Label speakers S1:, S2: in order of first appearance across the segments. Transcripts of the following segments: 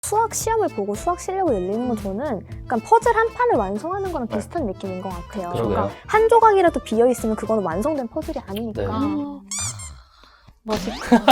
S1: 수학 시험을 보고 수학 실력을 늘리는 건 저는 약간 퍼즐 한 판을 완성하는 거랑 비슷한 느낌인 것 같아요.
S2: 그러게요.
S1: 그러니까 한 조각이라도 비어 있으면 그거는 완성된 퍼즐이 아니니까.
S2: 네.
S3: 멋있다.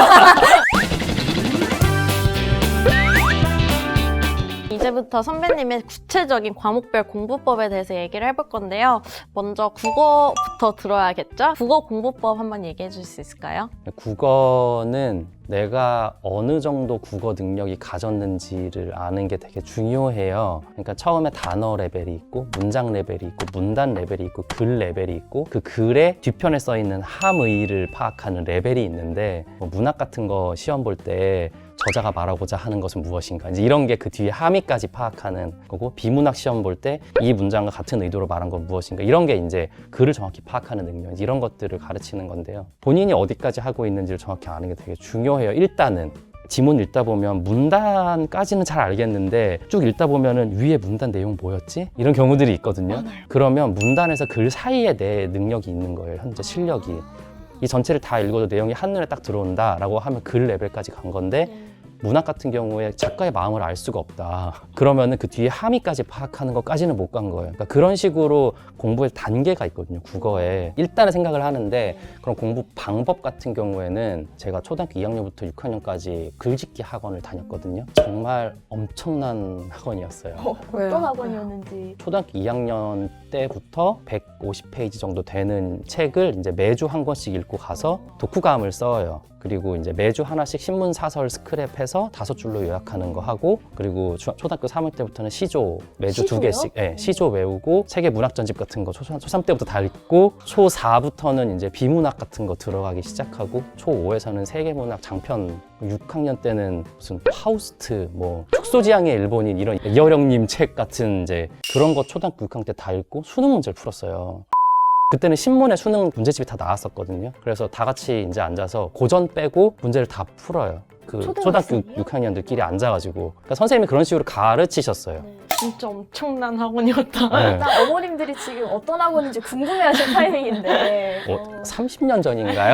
S3: 이제부터 선배님의 구체적인 과목별 공부법에 대해서 얘기를 해볼 건데요. 먼저 국어부터 들어야겠죠? 국어 공부법 한번 얘기해 줄 수 있을까요?
S2: 국어는 내가 어느 정도 국어 능력이 가졌는지를 아는 게 되게 중요해요. 그러니까 처음에 단어 레벨이 있고 문장 레벨이 있고 문단 레벨이 있고 글 레벨이 있고 그 글의 뒤편에 써 있는 함의를 파악하는 레벨이 있는데 뭐 문학 같은 거 시험 볼 때 저자가 말하고자 하는 것은 무엇인가 이제 이런 게 그 뒤에 함의까지 파악하는 거고 비문학 시험 볼 때 이 문장과 같은 의도로 말한 건 무엇인가 이런 게 이제 글을 정확히 파악하는 능력 이런 것들을 가르치는 건데요. 본인이 어디까지 하고 있는지를 정확히 아는 게 되게 중요해요. 일단은 지문 읽다 보면 문단까지는 잘 알겠는데 쭉 읽다 보면은 위에 문단 내용 뭐였지? 이런 경우들이 있거든요.
S3: 맞아요.
S2: 그러면 문단에서 글 사이에 내 능력이 있는 거예요. 현재 실력이. 이 전체를 다 읽어도 내용이 한눈에 딱 들어온다라고 하면 글 레벨까지 간 건데 문학 같은 경우에 작가의 마음을 알 수가 없다. 그러면은 그 뒤에 함의까지 파악하는 것까지는 못 간 거예요. 그러니까 그런 식으로 공부의 단계가 있거든요. 국어에. 일단은 생각을 하는데 그런 공부 방법 같은 경우에는 제가 초등학교 2학년부터 6학년까지 글짓기 학원을 다녔거든요. 정말 엄청난 학원이었어요.
S1: 어떤 학원이었는지.
S2: 초등학교 2학년 때부터 150페이지 정도 되는 책을 이제 매주 한 권씩 읽고 가서 독후감을 써요. 그리고 이제 매주 하나씩 신문 사설 스크랩해서 5줄로 요약하는 거 하고 그리고 초등학교 3학년 때부터는 시조 매주
S1: 시조요?
S2: 2개씩 시조 외우고 세계 문학 전집 같은 거 초3 때부터 다 읽고 초4부터는 이제 비문학 같은 거 들어가기 시작하고 초5에서는 세계 문학 장편 6학년 때는 무슨 파우스트 뭐 축소지향의 일본인 이런 이어령님 책 같은 이제 그런 거 초등학교 6학년 때 다 읽고 수능 문제를 풀었어요. 그때는 신문에 수능 문제집이 다 나왔었거든요. 그래서 다 같이 이제 앉아서 고전 빼고 문제를 다 풀어요. 그 초등학교 6학년들끼리 앉아가지고. 그러니까 선생님이 그런 식으로 가르치셨어요.
S3: 진짜 엄청난 학원이었다.
S2: 네.
S1: 나 어머님들이 지금 어떤 학원인지 궁금해하실 타이밍인데.
S2: 30년 전인가요?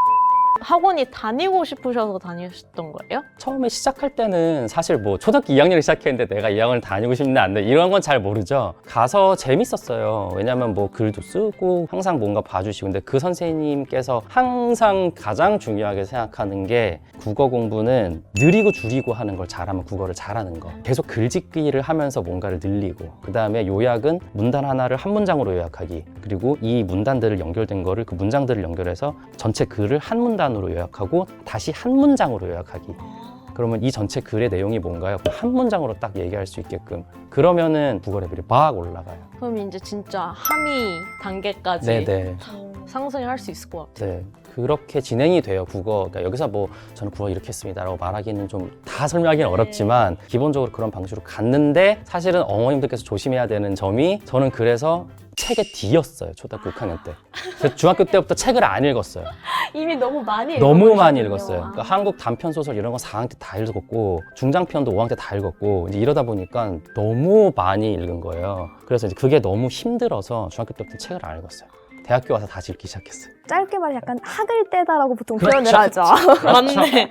S3: 학원이 다니고 싶으셔서 다니셨던 거예요?
S2: 처음에 시작할 때는 사실 뭐 초등학교 2학년을 시작했는데 내가 이 학원을 다니고 싶나 안 돼 이런 건 잘 모르죠. 가서 재밌었어요. 왜냐면 뭐 글도 쓰고 항상 뭔가 봐주시고 근데 그 선생님께서 항상 가장 중요하게 생각하는 게 국어 공부는 느리고 줄이고 하는 걸 잘하면 국어를 잘하는 거. 계속 글짓기를 하면서 뭔가를 늘리고 그 다음에 요약은 문단 하나를 한 문장으로 요약하기 그리고 이 문단들을 연결된 거를 그 문장들을 연결해서 전체 글을 한 문단으로 요약하고 다시 한 문장으로 요약하기. 그러면 이 전체 글의 내용이 뭔가요? 한 문장으로 딱 얘기할 수 있게끔. 그러면은 국어 레벨이 막 올라가요.
S3: 그럼 이제 진짜 함의 단계까지
S2: 네네.
S3: 상승할 수 있을 것 같아요.
S2: 네. 그렇게 진행이 돼요, 국어. 그러니까 여기서 뭐 저는 국어 이렇게 했습니다 라고 말하기는 좀 다 설명하기는 어렵지만 기본적으로 그런 방식으로 갔는데 사실은 어머님들께서 조심해야 되는 점이 저는 그래서 책에 D였어요, 초등학교 6학년 때. 그래서 중학교 때부터 책을 안 읽었어요.
S1: 이미 너무 많이
S2: 너무 많이
S1: 읽어버리셨군요.
S2: 읽었어요. 그러니까 한국 단편 소설 이런 거 4학년 때 다 읽었고 중장편도 5학년 때 다 읽었고 이제 이러다 보니까 너무 많이 읽은 거예요. 그래서 이제 그게 너무 힘들어서 중학교 때부터 책을 안 읽었어요. 대학교 와서 다시 읽기 시작했어요.
S1: 짧게 말해 약간 학을 떼다라고 보통
S2: 그렇죠.
S1: 표현을 하죠.
S3: 맞네.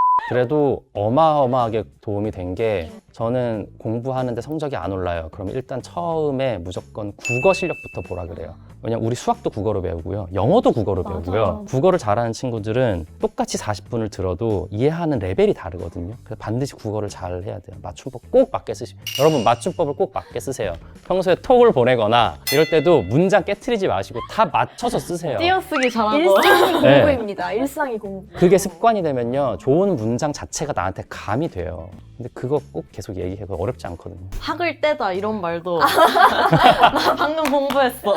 S2: 그래도 어마어마하게 도움이 된 게 저는 공부하는데 성적이 안 올라요. 그러면 일단 처음에 무조건 국어 실력부터 보라 그래요. 왜냐면 우리 수학도 국어로 배우고요. 영어도 국어로 배우고요. 국어를 잘하는 친구들은 똑같이 40분을 들어도 이해하는 레벨이 다르거든요. 그래서 반드시 국어를 잘 해야 돼요. 맞춤법 꼭 맞게 쓰시고 여러분 맞춤법을 꼭 맞게 쓰세요. 평소에 톡을 보내거나 이럴 때도 문장 깨트리지 마시고 다 맞춰서 쓰세요.
S3: 띄어쓰기 잘하고.
S1: 일상이
S2: 네.
S1: 공부입니다. 일상이 공부.
S2: 그게 습관이 되면요. 좋은 문장 자체가 나한테 감이 돼요. 근데 그거 꼭 계속 얘기해. 그거 어렵지 않거든요.
S3: 학을 떼다 이런 말도 나 방금 공부했어.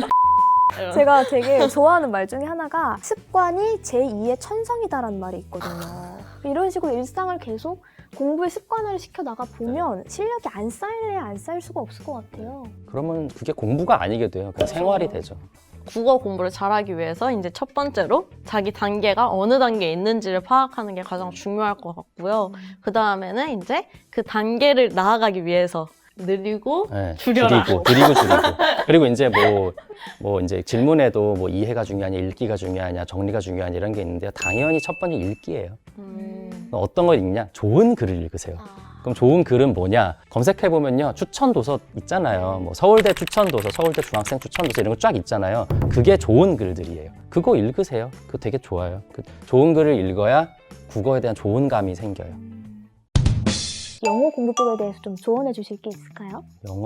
S1: 제가 되게 좋아하는 말 중에 하나가 습관이 제2의 천성이다라는 말이 있거든요. 이런 식으로 일상을 계속 공부의 습관화를 시켜나가 보면 실력이 안 쌓일래야 안 쌓일 수가 없을 것 같아요.
S2: 그러면 그게 공부가 아니게 돼요. 그냥 생활이 되죠.
S3: 국어 공부를 잘하기 위해서 이제 첫 번째로 자기 단계가 어느 단계에 있는지를 파악하는 게 가장 중요할 것 같고요. 그 다음에는 이제 그 단계를 나아가기 위해서 느리고
S2: 네,
S3: 줄여라.
S2: 줄이고. 그리고 이제 뭐 이제 질문에도 뭐 이해가 중요하냐, 읽기가 중요하냐, 정리가 중요하냐 이런 게 있는데요. 당연히 첫 번째 읽기예요. 어떤 걸 읽냐? 좋은 글을 읽으세요. 그럼 좋은 글은 뭐냐? 검색해보면요. 추천 도서 있잖아요. 뭐 서울대 추천 도서, 서울대 중학생 추천 도서 이런 거 쫙 있잖아요. 그게 좋은 글들이에요. 그거 읽으세요. 그거 되게 좋아요. 그 좋은 글을 읽어야 국어에 대한 좋은 감이 생겨요.
S1: 영어 공부법에 대해서 좀 조언해 주실 게 있을까요?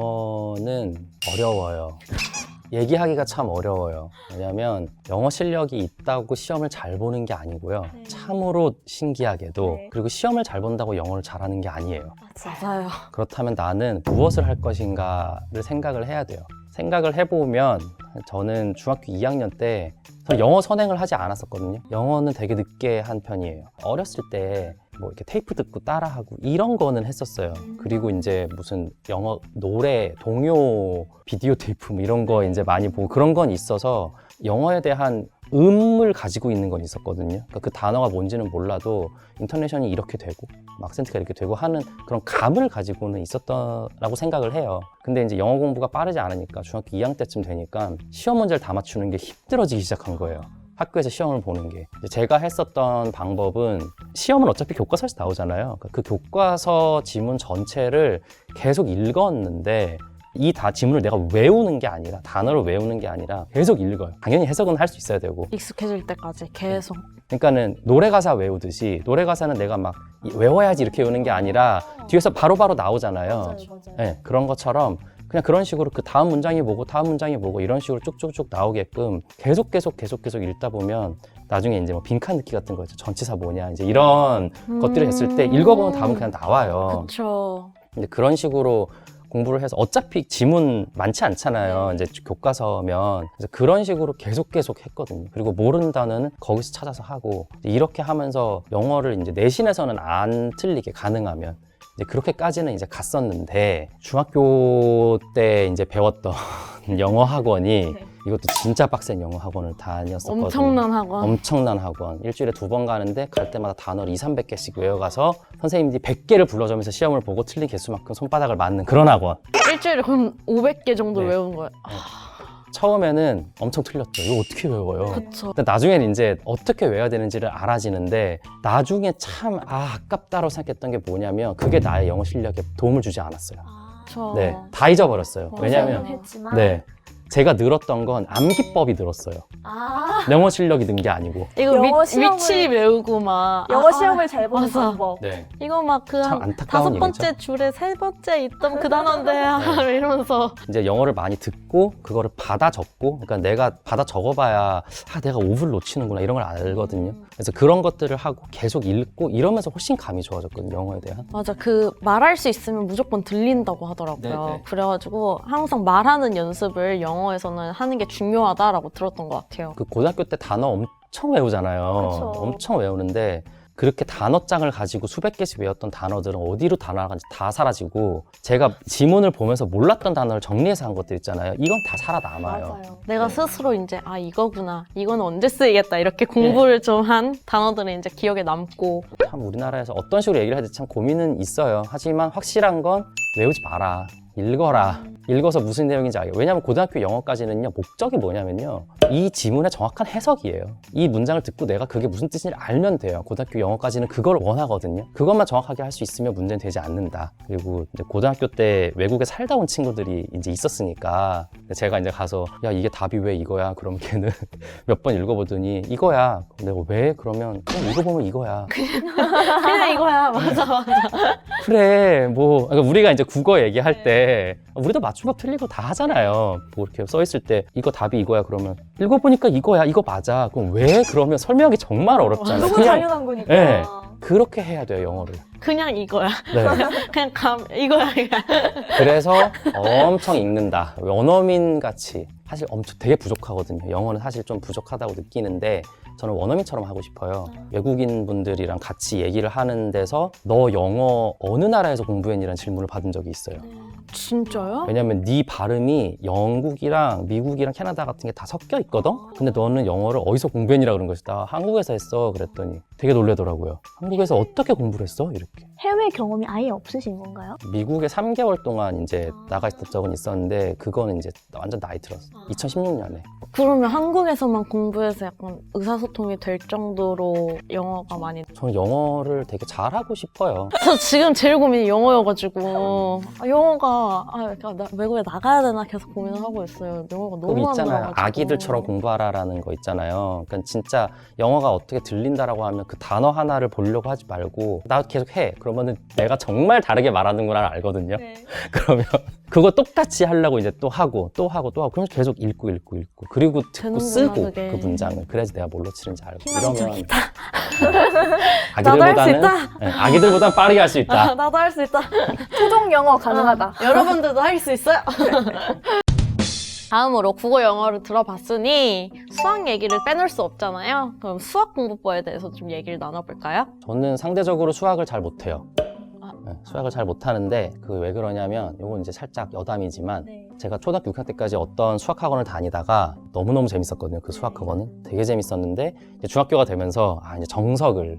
S2: 영어는 어려워요. 얘기하기가 참 어려워요. 왜냐면 영어 실력이 있다고 시험을 잘 보는 게 아니고요.
S1: 네.
S2: 참으로 신기하게도
S1: 네.
S2: 그리고 시험을 잘 본다고 영어를 잘하는 게 아니에요.
S3: 맞아요.
S2: 그렇다면 나는 무엇을 할 것인가를 생각을 해야 돼요. 생각을 해보면 저는 중학교 2학년 때 저는 영어 선행을 하지 않았었거든요. 영어는 되게 늦게 한 편이에요. 어렸을 때 뭐 이렇게 테이프 듣고 따라하고 이런 거는 했었어요. 그리고 이제 무슨 영어 노래, 동요, 비디오 테이프 뭐 이런 거 이제 많이 보고 그런 건 있어서 영어에 대한 음을 가지고 있는 건 있었거든요. 그러니까 그 단어가 뭔지는 몰라도 인터네이션이 이렇게 되고 악센트가 이렇게 되고 하는 그런 감을 가지고는 있었다라고 생각을 해요. 근데 이제 영어 공부가 빠르지 않으니까 중학교 2학년 때쯤 되니까 시험 문제를 다 맞추는 게 힘들어지기 시작한 거예요. 학교에서 시험을 보는 게. 제가 했었던 방법은 시험은 어차피 교과서에서 나오잖아요. 그 교과서 지문 전체를 계속 읽었는데 이 지문을 내가 외우는 게 아니라 단어를 외우는 게 아니라 계속 읽어요. 당연히 해석은 할 수 있어야 되고.
S3: 익숙해질 때까지 계속.
S2: 그러니까는 노래 가사 외우듯이 노래 가사는 내가 막 외워야지 이렇게 외우는 게 아니라 뒤에서 바로바로 나오잖아요.
S1: 맞아요.
S2: 네, 그런 것처럼 그냥 그런 식으로 그 다음 문장이 뭐고 다음 문장이 뭐고 이런 식으로 쭉쭉쭉 나오게끔 계속 읽다 보면 나중에 이제 뭐 빈칸 넣기 같은 거 있죠. 전치사 뭐냐 이제 이런 것들을 했을 때 읽어보면 답은 그냥 나와요.
S3: 그렇죠.
S2: 근데 그런 식으로 공부를 해서 어차피 지문 많지 않잖아요. 이제 교과서면. 그래서 그런 식으로 계속 했거든요. 그리고 모르는 단어는 거기서 찾아서 하고 이렇게 하면서 영어를 이제 내신에서는 안 틀리게 가능하면 이제 그렇게까지는 이제 갔었는데 중학교 때 이제 배웠던 영어 학원이 이것도 진짜 빡센 영어 학원을 다녔었거든요. 엄청난 학원. 일주일에 2번 가는데 갈 때마다 단어를 200~300개씩 외워가서 선생님들이 100개를 불러주면서 시험을 보고 틀린 개수만큼 손바닥을 맞는 그런 학원.
S3: 일주일에 그럼 500개 정도
S2: 네.
S3: 외운 거예요.
S2: 처음에는 엄청 틀렸죠. 이거 어떻게 외워요?
S3: 그쵸.
S2: 근데 나중에는 이제 어떻게 외워야 되는지를 알아지는데 나중에 참 아깝다고 생각했던 게 뭐냐면 그게 나의 영어 실력에 도움을 주지 않았어요.
S3: 저...
S2: 네, 다 잊어버렸어요.
S3: 맞아요.
S2: 왜냐면
S1: 했지만
S2: 네, 제가 늘었던 건 암기법이 늘었어요. 영어 실력이 는 게 아니고.
S3: 이거
S1: 영어 시험을-
S3: 위치 외우고 막
S1: 영어 시험을 잘 보는
S3: 맞아.
S1: 방법.
S2: 네.
S3: 이거 막 그
S2: 참
S3: 한
S2: 안타까운
S3: 5번째 줄에 3번째 있던 그 단어인데 이러면서
S2: 이제 영어를 많이 듣고 그거를 받아 적고 그러니까 내가 받아 적어봐야 내가 오브를 놓치는구나 이런 걸 알거든요. 그래서 그런 것들을 하고 계속 읽고 이러면서 훨씬 감이 좋아졌거든요. 영어에 대한.
S3: 맞아. 그 말할 수 있으면 무조건 들린다고 하더라고요.
S2: 네네.
S3: 그래가지고 항상 말하는 연습을 영어에서는 하는 게 중요하다라고 들었던 것 같아요.
S2: 그 고등학교 때 단어 엄청 외우잖아요.
S1: 그쵸.
S2: 엄청 외우는데 그렇게 단어장을 가지고 수백 개씩 외웠던 단어들은 어디로 다 나간지 다 사라지고 제가 지문을 보면서 몰랐던 단어를 정리해서 한 것들 있잖아요. 이건 다 살아남아요.
S1: 맞아요.
S3: 내가 스스로 이제 이거구나. 이건 언제 쓰이겠다. 이렇게 공부를 좀 한 단어들은 이제 기억에 남고.
S2: 참 우리나라에서 어떤 식으로 얘기를 해야 될지 참 고민은 있어요. 하지만 확실한 건 외우지 마라. 읽어라. 읽어서 무슨 내용인지 알게. 왜냐하면 고등학교 영어까지는요, 목적이 뭐냐면요, 이 지문의 정확한 해석이에요. 이 문장을 듣고 내가 그게 무슨 뜻인지 알면 돼요. 고등학교 영어까지는 그걸 원하거든요. 그것만 정확하게 할 수 있으면 문제는 되지 않는다. 그리고 이제 고등학교 때 외국에 살다 온 친구들이 이제 있었으니까 제가 이제 가서 야, 이게 답이 왜 이거야? 그럼 걔는 몇 번 읽어보더니 이거야. 내가 왜? 그러면 그냥 읽어보면 이거야.
S3: 그냥 이거야. 맞아.
S2: 그래, 뭐, 그러니까 우리가 이제 국어 얘기할 때, 우리도 맞춤법 틀리고 다 하잖아요. 뭐 이렇게 써있을 때, 이거 답이 이거야. 그러면, 읽어보니까 이거야. 이거 맞아. 그럼 왜? 그러면 설명이 정말 어렵잖아요.
S1: 너무
S2: 그냥,
S1: 당연한 거니까.
S2: 네. 그렇게 해야 돼요, 영어를.
S3: 그냥 이거야.
S2: 네.
S3: 그냥 이거야.
S2: 그래서 엄청 읽는다. 원어민 같이. 사실 엄청 되게 부족하거든요. 영어는 사실 좀 부족하다고 느끼는데, 저는 원어민처럼 하고 싶어요. 외국인 분들이랑 같이 얘기를 하는 데서 너 영어 어느 나라에서 공부했니라는 질문을 받은 적이 있어요.
S3: 진짜요?
S2: 왜냐면 네 발음이 영국이랑 미국이랑 캐나다 같은 게 다 섞여 있거든? 근데 너는 영어를 어디서 공부했니라 그런 것이다. 한국에서 했어. 그랬더니 되게 놀래더라고요. 한국에서 어떻게 공부를 했어? 이렇게.
S1: 해외 경험이 아예 없으신 건가요?
S2: 미국에 3개월 동안 이제 나가 있던 적은 있었는데 그거는 이제 완전 나이 들었어. 2016년에.
S3: 그러면 한국에서만 공부해서 약간 의사소통이 될 정도로 영어가 많이.
S2: 저는 영어를 되게 잘하고 싶어요.
S3: 저 지금 제일 고민이 영어여가지고 영어가 그러니까 외국에 나가야 되나 계속 고민을 하고 있어요. 영어가 너무
S2: 그럼
S3: 안
S2: 있잖아요.
S3: 들어가지고.
S2: 아기들처럼 공부하라라는 거 있잖아요. 그러니까 진짜 영어가 어떻게 들린다라고 하면 그 단어 하나를 보려고 하지 말고 나 계속 해. 그러면은 내가 정말 다르게 말하는구나 알거든요.
S3: 네.
S2: 그러면 그거 똑같이 하려고 이제 또 하고 그럼 계속 읽고 그리고 듣고
S3: 되는구나,
S2: 쓰고
S3: 그게.
S2: 그 문장을 그래야지 내가 뭘로 치는지 알고
S3: 희망적이다.
S2: 아기들보다는
S3: 나도 할수 있다.
S2: 네, 아기들보다는 빠르게 할 수 있다.
S3: 나도 할 수 있다.
S1: 토종 영어 가능하다.
S3: 여러분들도 할 수 있어요. 다음으로 국어 영어를 들어봤으니 수학 얘기를 빼놓을 수 없잖아요. 그럼 수학 공부법에 대해서 좀 얘기를 나눠볼까요?
S2: 저는 상대적으로 수학을 잘 못해요.
S3: 아.
S2: 네, 수학을 잘 못하는데 그 왜 그러냐면 이건 이제 살짝 여담이지만 제가 초등학교 6학년 때까지 어떤 수학 학원을 다니다가 너무너무 재밌었거든요. 그 수학 학원은 되게 재밌었는데 이제 중학교가 되면서 이제 정석을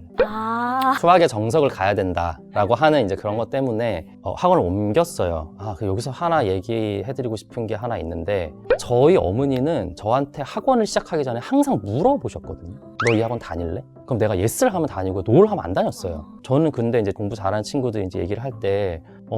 S2: 수학의 정석을 가야 된다라고 하는 이제 그런 것 때문에 학원을 옮겼어요. 그 여기서 하나 얘기해드리고 싶은 게 하나 있는데 저희 어머니는 저한테 학원을 시작하기 전에 항상 물어보셨거든요. 너 이 학원 다닐래? 그럼 내가 예스를 하면 다니고 노를 하면 안 다녔어요. 저는 근데 이제 공부 잘하는 친구들이 이제 얘기를 할 때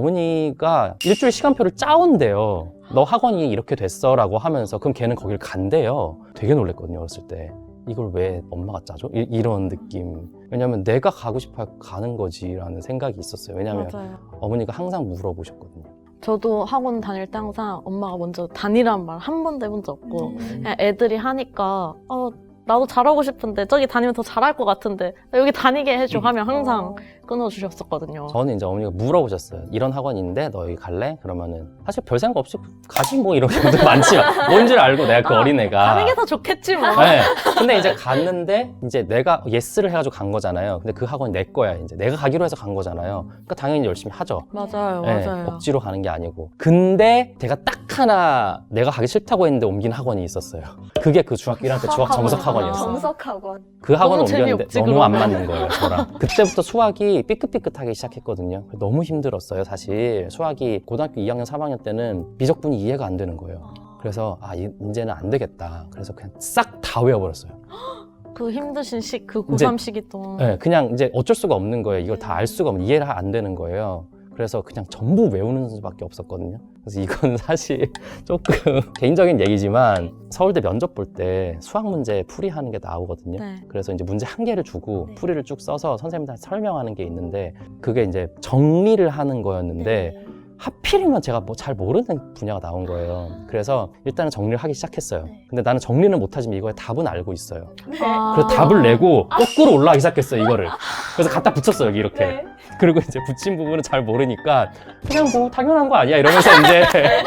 S2: 어머니가 일주일 시간표를 짜온대요. 너 학원이 이렇게 됐어 라고 하면서 그럼 걔는 거길 간대요. 되게 놀랬거든요, 어렸을 때. 이걸 왜 엄마가 짜줘? 이런 느낌. 왜냐면 내가 가고 싶어 가는 거지라는 생각이 있었어요. 왜냐면
S3: 맞아요.
S2: 어머니가 항상 물어보셨거든요.
S3: 저도 학원 다닐 때 항상 엄마가 먼저 다니란 말 한 번도 해본 적 없고 그냥 애들이 하니까 나도 잘하고 싶은데 저기 다니면 더 잘할 것 같은데 여기 다니게 해줘 하면 항상 끊어주셨었거든요.
S2: 저는 이제 어머니가 물어보셨어요. 이런 학원이 있는데 너 여기 갈래? 그러면은 사실 별 생각 없이 가지 뭐 이런 경우도 많지만 뭔지를 알고 내가 그 어린애가
S3: 가는 게 더 좋겠지 뭐.
S2: 네. 근데 이제 갔는데 이제 내가 예스를 해가지고 간 거잖아요. 근데 그 학원이 내 거야. 이제 내가 가기로 해서 간 거잖아요. 그러니까 당연히 열심히 하죠.
S3: 맞아요,
S2: 네,
S3: 맞아요.
S2: 억지로 가는 게 아니고. 근데 제가 딱 하나 내가 가기 싫다고 했는데 옮긴 학원이 있었어요. 그게 그 중학교 1학년 때 중학 정석 학원이었어요.
S1: 정석학원.
S2: 그 학원을
S3: 너무
S2: 옮겼는데
S3: 재미없지,
S2: 너무 안
S3: 그러면.
S2: 맞는 거예요, 저랑. 그때부터 수학이 삐끗삐끗하기 시작했거든요. 너무 힘들었어요, 사실. 수학이 고등학교 2학년, 3학년 때는 미적분이 이해가 안 되는 거예요. 그래서 이제는 안 되겠다. 그래서 그냥 싹 다 외워버렸어요.
S3: 그 힘드신 그 고3 시기 동안.
S2: 네, 그냥 이제 어쩔 수가 없는 거예요. 이걸 다 알 수가 없는, 이해가 안 되는 거예요. 그래서 그냥 전부 외우는 수밖에 없었거든요. 그래서 이건 사실 조금 개인적인 얘기지만 서울대 면접 볼 때 수학 문제 풀이하는 게 나오거든요.
S3: 네.
S2: 그래서 이제 문제 한 개를 주고 풀이를 쭉 써서 선생님한테 설명하는 게 있는데 그게 이제 정리를 하는 거였는데 하필이면 제가 뭐 잘 모르는 분야가 나온 거예요. 그래서 일단은 정리를 하기 시작했어요. 근데 나는 정리는 못하지만 이거의 답은 알고 있어요. 그래서 답을 내고 거꾸로 올라가기 시작했어요, 이거를. 그래서 갖다 붙였어요, 여기 이렇게. 그리고 이제 붙인 부분은 잘 모르니까 그냥 뭐 당연한 거 아니야 이러면서 이제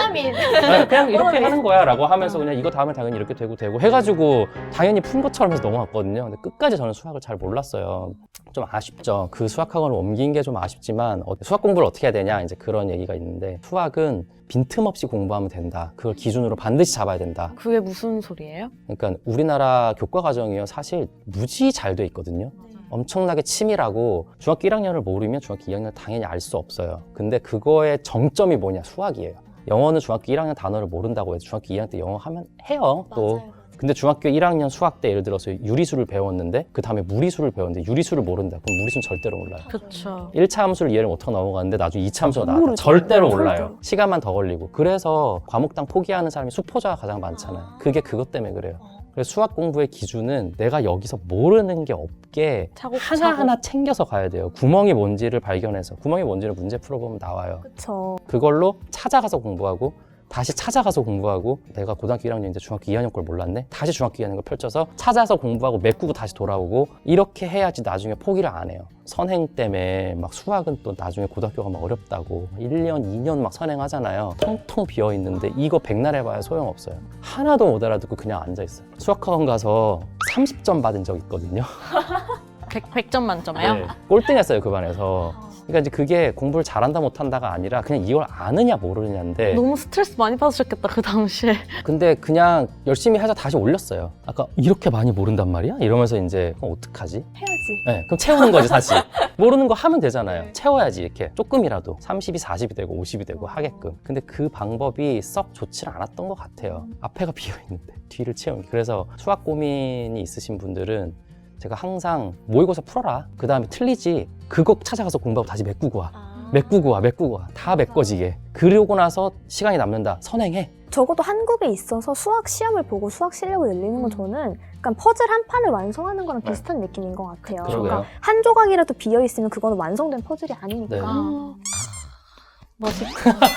S2: 그냥 이렇게 하는 거야 라고 하면서 그냥 이거 다음에 당연히 이렇게 되고 해가지고 당연히 푼 것처럼 해서 넘어갔거든요. 근데 끝까지 저는 수학을 잘 몰랐어요. 좀 아쉽죠. 그 수학학원을 옮긴 게 좀 아쉽지만 수학 공부를 어떻게 해야 되냐 이제 그런 얘기가 있는데 수학은 빈틈없이 공부하면 된다. 그걸 기준으로 반드시 잡아야 된다.
S3: 그게 무슨 소리예요?
S2: 그러니까 우리나라 교과 과정이요 사실 무지 잘 돼 있거든요. 엄청나게 치밀하고 중학교 1학년을 모르면 중학교 2학년을 당연히 알 수 없어요. 근데 그거의 정점이 뭐냐? 수학이에요. 영어는 중학교 1학년 단어를 모른다고 해서 중학교 2학년 때 영어 하면 해요. 또. 근데 중학교 1학년 수학 때 예를 들어서 유리수를 배웠는데 그 다음에 무리수를 배웠는데 유리수를 모른다. 그럼 무리수는 절대로 몰라요.
S3: 그렇죠.
S2: 1차 함수를 이해를 못하고 넘어가는데 나중에 2차 함수가 나왔다. 절대로 몰라요. 시간만 더 걸리고. 그래서 과목당 포기하는 사람이 수포자가 가장 많잖아요. 그게 그것 때문에 그래요. 그래서 수학 공부의 기준은 내가 여기서 모르는 게 없게 하나하나 챙겨서 가야 돼요. 구멍이 뭔지를 발견해서. 구멍이 뭔지를 문제 풀어보면 나와요.
S1: 그쵸.
S2: 그걸로 찾아가서 공부하고 다시 찾아가서 공부하고 내가 고등학교 1학년 이제 중학교 2학년 걸 몰랐네? 다시 중학교 2학년 걸 펼쳐서 찾아서 공부하고 메꾸고 다시 돌아오고 이렇게 해야지 나중에 포기를 안 해요. 선행 때문에 막 수학은 또 나중에 고등학교 가면 어렵다고 1년, 2년 막 선행하잖아요. 텅텅 비어있는데 이거 백날 해봐야 소용없어요. 하나도 못 알아듣고 그냥 앉아있어요. 수학학원 가서 30점 받은 적 있거든요.
S3: 100점 만점이요?
S2: 네, 꼴등했어요 그 반에서. 그러니까 이제 그게 공부를 잘한다 못한다가 아니라 그냥 이걸 아느냐 모르느냐인데
S3: 너무 스트레스 많이 받으셨겠다 그 당시에.
S2: 근데 그냥 열심히 해서 다시 올렸어요. 아까 이렇게 많이 모른단 말이야? 이러면서 이제 그럼 어떡하지?
S1: 해야지.
S2: 네, 그럼 채우는 거지 사실. 모르는 거 하면 되잖아요. 채워야지 이렇게 조금이라도 30이 40이 되고 50이 되고 하게끔. 근데 그 방법이 썩 좋지 않았던 것 같아요. 앞에가 비어있는데 뒤를 채우는 게. 그래서 수학 고민이 있으신 분들은 제가 항상 모의고사 풀어라. 그 다음에 틀리지. 그거 찾아가서 공부하고 다시 메꾸고 와. 메꾸고 와. 다 메꿔지게. 그러고 나서 시간이 남는다. 선행해.
S1: 적어도 한국에 있어서 수학 시험을 보고 수학 실력을 늘리는 건 저는 약간 퍼즐 한 판을 완성하는 거랑 비슷한 느낌인 것 같아요.
S2: 그러게요.
S1: 그러니까 한 조각이라도 비어 있으면 그거는 완성된 퍼즐이 아니니까.
S2: 네.
S3: 멋있다.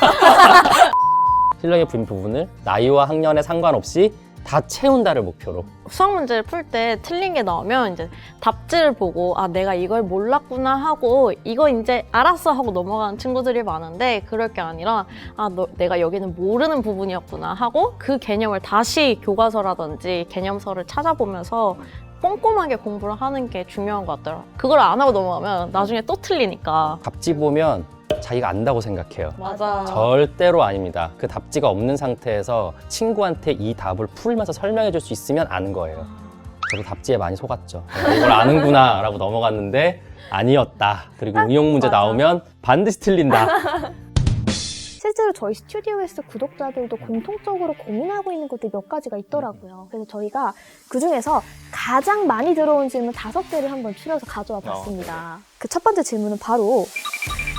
S2: 실력의 부분을 나이와 학년에 상관없이 다 채운다를 목표로.
S3: 수학 문제를 풀 때 틀린 게 나오면 이제 답지를 보고 아 내가 이걸 몰랐구나 하고 이거 이제 알았어 하고 넘어가는 친구들이 많은데 그럴 게 아니라 내가 여기는 모르는 부분이었구나 하고 그 개념을 다시 교과서라든지 개념서를 찾아보면서 꼼꼼하게 공부를 하는 게 중요한 것 같더라고요. 그걸 안 하고 넘어가면 나중에 또 틀리니까.
S2: 답지 보면 자기가 안다고 생각해요.
S3: 맞아.
S2: 절대로 아닙니다. 그 답지가 없는 상태에서 친구한테 이 답을 풀면서 설명해 줄 수 있으면 아는 거예요. 저도 답지에 많이 속았죠. 내가 이걸 아는구나 라고 넘어갔는데 아니었다. 그리고 응용 문제 나오면 반드시 틀린다.
S1: 실제로 저희 스튜디오에서 구독자들도 공통적으로 고민하고 있는 것들이 몇 가지가 있더라고요. 그래서 저희가 그중에서 가장 많이 들어온 질문 5개를 한번 추려서 가져와 봤습니다. 그 첫 번째 질문은 바로